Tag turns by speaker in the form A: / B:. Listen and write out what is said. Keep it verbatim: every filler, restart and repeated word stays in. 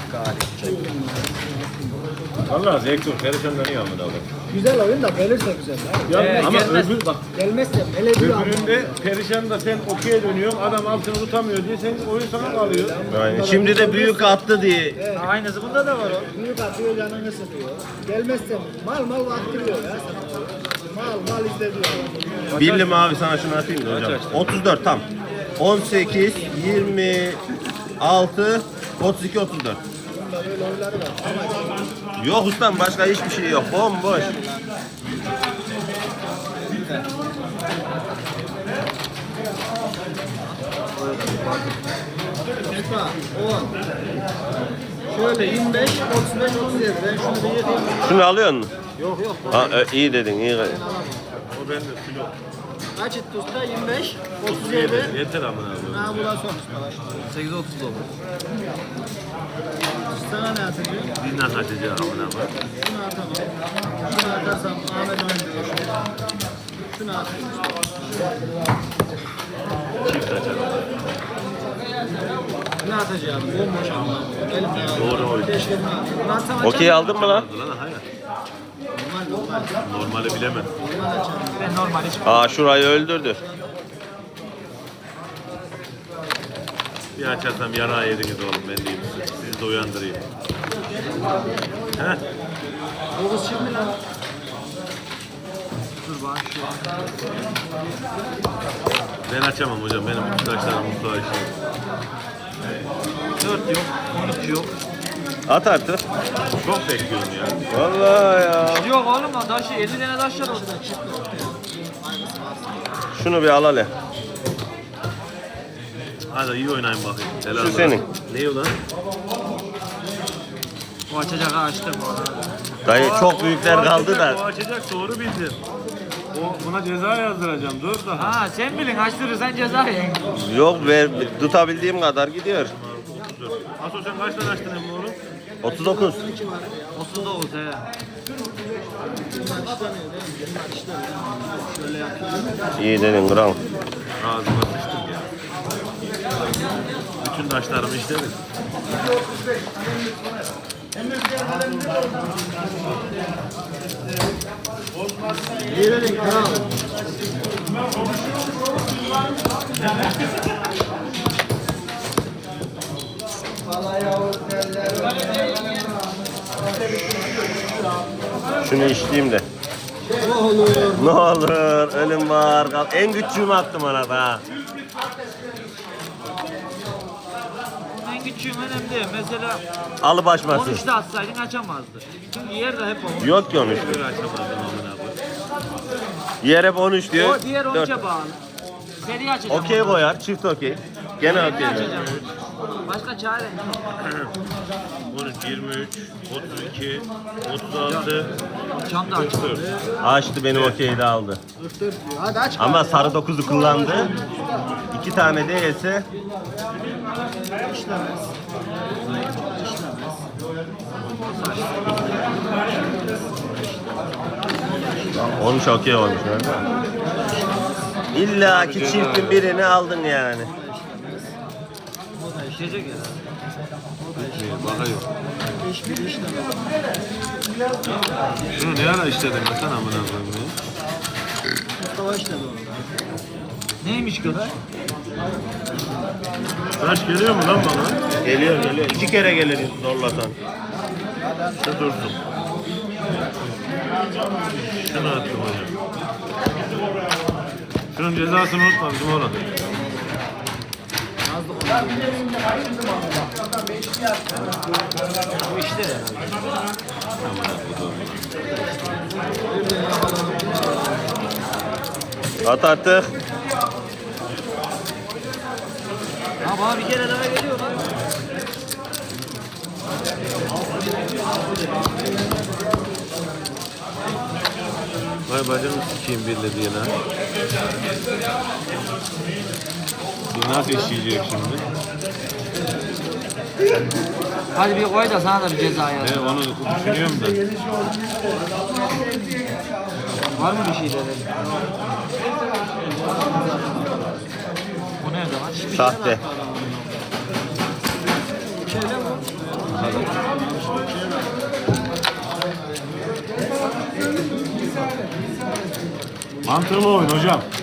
A: Galip.
B: Valla zevk yok. Perişandan iyi amına abi.
C: Güzel oyun da gelirse güzel. Ya.
B: Ya
A: Ee,
B: ama
A: gelmez.
B: öbür bak.
C: Gelmezse hele bir
B: Öbüründe perişan da sen okey'e dönüyorsun. Adam altını tutamıyor diye sen oyun sana kalıyor.
D: Aynen. Şimdi de büyük attı diye.
C: Evet.
A: Aynısı bunda da var o.
C: Büyük atıyor canını sıkıyor. Gelmezse mal mal baktırıyor ya sana. Mal mal izlediyor.
D: Bildim abi sana şunu atayım da hocam. otuz dört tam. on sekiz, yirmi altı, otuz iki, otuz dört.
C: Bunda böyle oyunları var. Ama
D: Yok ustam başka hiçbir şey yok. Bomboş.
C: usta on. Şöyle yirmi beş, otuz beş, otuz yedi. Ben şunu bir yediğim.
D: Şunu alıyor musun?
C: Yok yok.
D: Ha, e, iyi dedin iyi.
B: O bende kilo.
C: Kaç etti usta? yirmi beş, otuz yedi.
B: Yeter amına abi.
C: Ha bu da son usta. Bak.
A: sekiz otuz dokuz.
C: Sana ne atacağım?
B: Dinle kaçacağım amına abi.
C: Şunu atamam. Şunu atarsam Ahmet oynuyor. Şunu atayım usta.
B: Çift açalım.
C: Ne atacağım? Bomboş ama. Elimde ya.
B: Doğru oyun.
C: Keşke bunu atayım. Bunu atsam açar
D: Okey aldın mı lan?
B: Lan hayır.
C: Normal normal.
B: Normali bilemem.
C: Normal açarım.
A: Ben normal hiç.
D: Aa şurayı öldürdü.
B: Bir açarsam yarağı yediniz oğlum ben diyeyim size. Sizi de uyandırayım. Heh.
C: dokuz şimdi lan.
A: Dur bak şu.
B: Ben açamam hocam. Benim arkadaşlarım mutlu işi.
A: dört yok. on üç yok.
D: At artık.
B: Çok bekliyorum ya.
D: Vallahi ya.
A: Yok oğlum lan taşı elli tane taş var orada.
D: Şunu bir al hele.
B: Hadi iyi oynayın bakayım. Helal
D: Şu
B: olsun.
D: senin.
B: Ne ulan?
A: O açacak açtım.
D: Dayı çok büyükler kaldı
B: O
D: da.
B: açacak doğru bildin. O buna ceza yazdıracağım. Dur da.
A: Ha sen bilin açtırırsan ceza yiyin.
D: Yok ver tutabildiğim kadar gidiyor.
B: Dur. Aso sen kaç tane açtın emmi oğlum?
D: otuz dokuz.
A: otuz dokuz he.
C: Bunlar işlemiyor değil mi? Bunlar işlemiyor. Şöyle yapıyorum.
D: İyi dedin kral.
B: Ağzıma sıçtım ya. Bütün taşlarımı işledim.
C: Girelim kral.
D: Şunu içtiğim de.
C: Ne olur.
D: Ne olur ölüm var. kal- En küçüğümü attım ona da.
A: En küçüğüm önemli değil. Mesela
D: Alı
A: on
D: başmasın.
A: üçte atsaydın açamazdı. Çünkü yer de hep on.
D: Yok ki on üç.
B: Böyle açamadım amına abi.
D: Yer hep on üç diyor.
A: O diğer
D: Dört.
A: onca bağlı. Seri açacağım.
D: Okey
A: onu.
D: koyar. Çift okey. Gene
A: Seri
D: okey.
A: açacağım. Başka çare yok.
B: on üç, yirmi üç, otuz iki, otuz altı,
A: Çam da açtı.
D: Açtı benim okeyi de aldı.
C: Dur diyor. Hadi aç.
D: Ama sarı dokuzu kullandı. İki tane değilse
C: İşlemez.
D: on üç okey olmuş. İlla ki çiftin birini aldın yani.
A: İşecek ya.
B: bakayım.
C: Hiçbir işlemez.
B: Şunu ne ara işledin ben sana amına koyayım ya?
C: Mustafa işledi onu.
A: Neymiş kadar?
B: Taş geliyor mu lan bana?
D: Geliyor geliyor. İki kere gelir zorlasan.
B: Şu dursun. Şunu attım hocam. Şunun cezasını unutma bizim oğlan.
A: Bu işte ya.
D: At artık.
A: Ha bana bir kere daha geliyor lan.
B: Vay bacını sikeyim birle diye lan. Bir nasıl işleyecek şimdi?
A: Hadi bir koy da sana da bir ceza yaz.
B: Ne onu düşünüyorum da.
A: Var mı bir şey dedi? Bu nerede lan?
D: Sahte.
C: Şeyde bu.
B: Hadi.
E: Mantıklı oyun hocam.